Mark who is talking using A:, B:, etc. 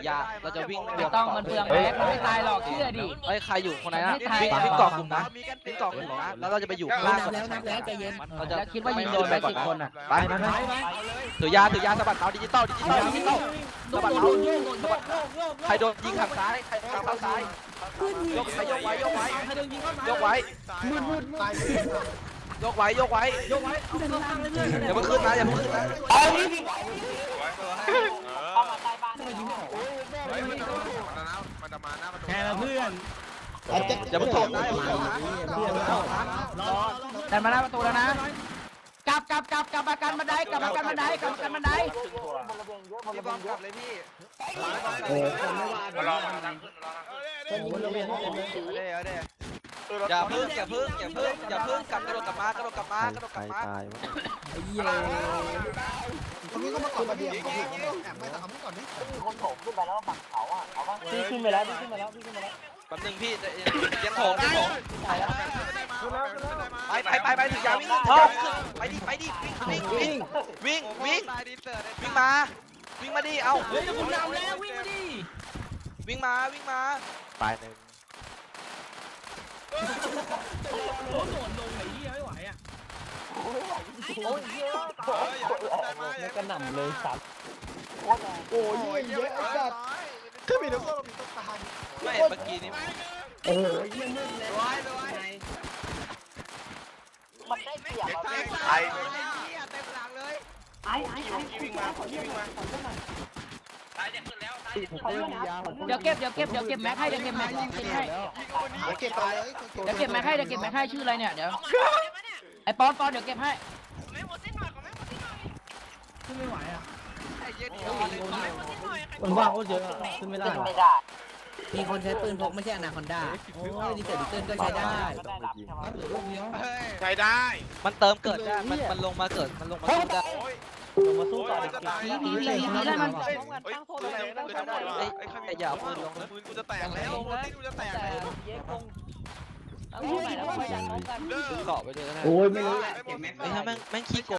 A: ยาเราจะวิ่ง
B: ไม่ต้องมันเปลืองแม็กมันไม่ตายหรอกเชื่อดิ
A: เฮ้ยใครอยู่คนไหนนะ
B: ไม่ตาย
A: วิ่งเกาะกลุ่มนะวิ่งเกาะกลุ่มนะแล้วเราจะไปอยู่ข้างล่าง
C: นับแล้วใจเย็น
A: เราจะ
B: แล้วคิดว่ายิงโดนไป10 คนอ่ะ
A: ไปถือยาสะบัดเขาดิจิตอลสะบัดเขาใครโดนยิงทางซ้ายใครทางเข้าซ้ายยกไว้ยกไว้ยกไว้อย่าเพิ่งขึ้นนะอย่าเพิ่งขึ้นนะ
D: มันจะมาหน้าประตู
C: แค่ละเพื่อน
A: อย่าเพิ่งถอดนะอย่าเพิ่งถอดนะ
B: ดันมาหน้าประตูแล้วนะกลับมากันบันไดกลับมากันบันได
D: พี่บอมกลับเลยพี่รอมาดังขึ้น
A: อย่าเพิ่งกระโดดกลับมากระโดดกลับมา
C: ไอ้เหี้ย
E: ตรงนี้ก็มาก่อนมาเดียวแอบไปแต่เอาไม่ก่อนดิ
F: พี่ขึ้นไปแล้วพี่ขึ้นไปแล้ว
A: แป๊บนึงพี่ยังโถงไปถึงยาวิ่งไปดิวิ่งมาดิเอา
B: เฮ้ยจะบุญนำแล้ววิ่งมาดิ
A: วิ่งมาไปหนึ่ง
B: โดนลงไอ้เหี้ยไม่ไหวอ่ะ
F: แล้วก็หนำเลยสัตว์
E: โอ้ยเยอะจัดคือมีน้ำส้มมีต้นตาล
A: ไม่เมื่อกี้นี้
E: โอ้ยเยี่ยมเลย
F: มันได้เปรียบ
D: ไอ้
F: วิ่งมา
B: เดี๋ยวเก็บแม็กให้เดี๋ยวเก็บแม็กให้
E: เก็บไปเลย
B: เดี๋ยวเก็บแม็กให้ชื่ออะไรเนี่ยเดี๋ยวไอ้ปอนเดี๋ยวเก็บให้
C: ขึ้นไม่ไหวอ่ะ
F: มันว่างโคตรเยอะขึ้นไม่ได้
C: มีคนใช้ปืนพกไม่ใช่อนาคอนด้าโอ้ยดีเซลดิเติ้ลก็ใช้ได้
D: ใช้ได้
A: มันเติมเกิดได้มันลงมาเกิดมันลงมาสู้ได้
F: ลงมาสู้ต่อเด็ก
B: ทีได้มัน
A: ไอ้อย่าปืนลงนะ
D: ปืนกูจะแตกแล้วปืนกูจะแตกแล้ว
A: เกาะไปเลยนะ
E: โอ้ยไม่รู้
A: ไอ้แม่งขี้โก